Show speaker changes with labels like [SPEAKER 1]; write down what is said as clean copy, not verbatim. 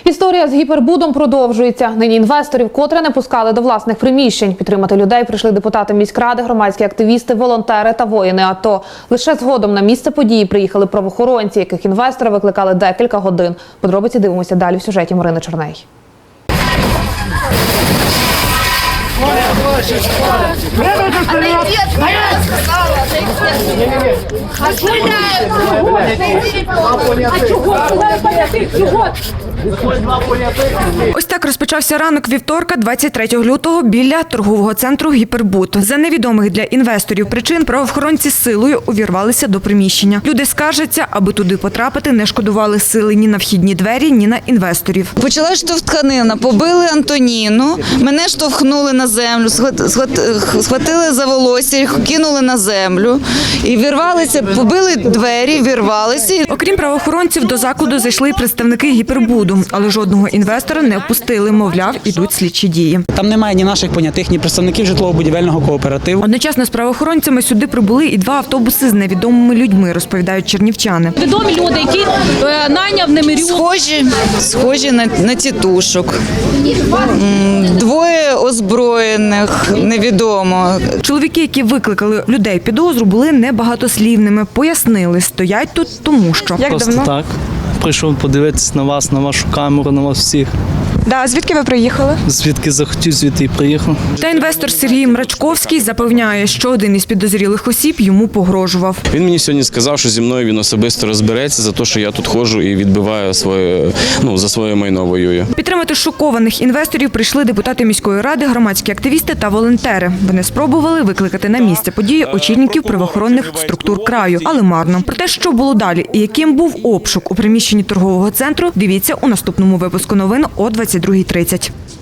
[SPEAKER 1] Історія з гіпербудом продовжується. Нині інвесторів котре не пускали до власних приміщень. Підтримати людей прийшли депутати міськради, громадські активісти, волонтери та воїни АТО. Лише згодом на місце події приїхали правоохоронці, яких інвестори викликали декілька годин. Подробиці дивимося далі в сюжеті Марини Черней.
[SPEAKER 2] Ось так розпочався ранок вівторка, 23 лютого, біля торгового центру «Гіпербуд». За невідомих для інвесторів причин правоохоронці силою увірвалися до приміщення. Люди скаржаться, аби туди потрапити, не шкодували сили ні на вхідні двері, ні на інвесторів.
[SPEAKER 3] Почала штовханина, побили Антоніну, мене штовхнули на землю, схватили за волосся, кинули на землю і вірвалися, побили двері, вірвалися.
[SPEAKER 2] Окрім правоохоронців, до закладу зайшли й представники «Гіпербуду», але жодного інвестора не впустили, мовляв, ідуть слідчі дії.
[SPEAKER 4] Там немає ні наших понятих, ні представників житлово-будівельного кооперативу.
[SPEAKER 2] Одночасно з правоохоронцями сюди прибули і 2 автобуси з невідомими людьми, розповідають чернівчани.
[SPEAKER 5] Відомі люди, які найняв Немирю.
[SPEAKER 3] Схожі на тітушок. 2 озброєних, невідомо.
[SPEAKER 2] Чоловіки, які викликали людей підозру, були небагатослівними. Пояснили, стоять тут тому що. Як
[SPEAKER 6] Просто
[SPEAKER 2] давно?
[SPEAKER 6] так. Прийшов подивитися на вас, на вашу камеру, на вас всіх.
[SPEAKER 2] Да, звідки ви приїхали?
[SPEAKER 6] Звідки захотів, звідти і приїхав.
[SPEAKER 2] Та інвестор Сергій Мрачковський запевняє, що один із підозрілих осіб йому погрожував.
[SPEAKER 7] Він мені сьогодні сказав, що зі мною він особисто розбереться за те, що я тут ходжу і відбиваю за своє майно воюю.
[SPEAKER 2] Підтримати шокованих інвесторів прийшли депутати міської ради, громадські активісти та волонтери. Вони спробували викликати на місце події очільників правоохоронних структур краю, але марно. Про те, що було далі і яким був обшук у приміщенні торгового центру, дивіться у наступному випуску новин о 22:30.